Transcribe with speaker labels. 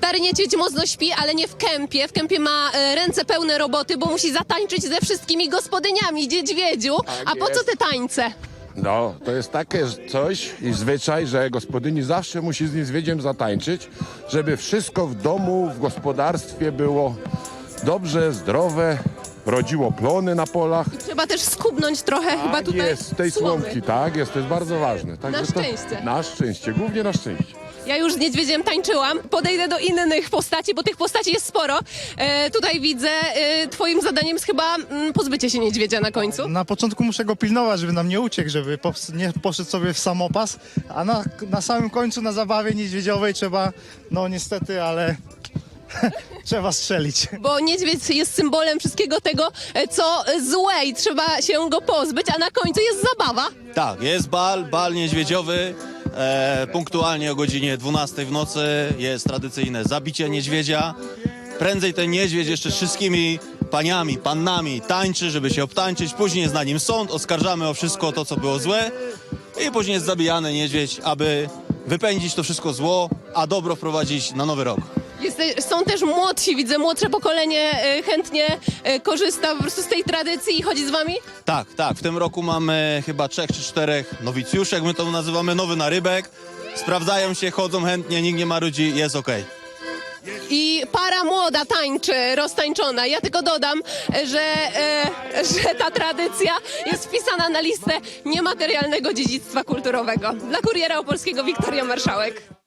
Speaker 1: Stary niedźwiedź mocno śpi, ale nie w kępie. W kępie ma ręce pełne roboty, bo musi zatańczyć ze wszystkimi gospodyniami, niedźwiedziu. A po co te tańce?
Speaker 2: No, to jest takie coś i zwyczaj, że gospodyni zawsze musi z niedźwiedziem zatańczyć, żeby wszystko w domu, w gospodarstwie było dobrze, zdrowe, rodziło plony na polach.
Speaker 1: Trzeba też skubnąć trochę chyba
Speaker 2: Tak
Speaker 1: tutaj
Speaker 2: jest, tej
Speaker 1: słomy.
Speaker 2: słomki, tak jest, to jest bardzo ważne. Także
Speaker 1: Na szczęście.
Speaker 2: Na szczęście, głównie na szczęście.
Speaker 1: Ja już z niedźwiedziem tańczyłam. Podejdę do innych postaci, bo tych postaci jest sporo. Tutaj widzę, twoim zadaniem jest chyba pozbycie się niedźwiedzia na końcu.
Speaker 3: Na początku muszę go pilnować, żeby nam nie uciekł, żeby nie poszedł sobie w samopas, a na samym końcu na zabawie niedźwiedziowej trzeba, no niestety, ale trzeba strzelić.
Speaker 1: Bo niedźwiedź jest symbolem wszystkiego tego, co złe i trzeba się go pozbyć, a na końcu jest zabawa.
Speaker 4: Tak, jest bal niedźwiedziowy. Punktualnie o godzinie 12 w nocy jest tradycyjne zabicie niedźwiedzia. Prędzej ten niedźwiedź jeszcze z wszystkimi paniami, pannami tańczy, żeby się obtańczyć. Później jest na nim sąd, oskarżamy o wszystko to, co było złe. I później jest zabijany niedźwiedź, aby wypędzić to wszystko zło, a dobro wprowadzić na nowy rok.
Speaker 1: Są też młodsi, widzę, młodsze pokolenie chętnie korzysta po prostu z tej tradycji i chodzi z wami?
Speaker 4: Tak. W tym roku mamy chyba 3 czy 4 nowicjuszy, jak my to nazywamy, nowy narybek. Sprawdzają się, chodzą chętnie, nikt nie marudzi, jest okej.
Speaker 1: I para młoda tańczy, roztańczona. Ja tylko dodam, że ta tradycja jest wpisana na listę niematerialnego dziedzictwa kulturowego. Dla Kuriera Opolskiego Wiktoria Marszałek.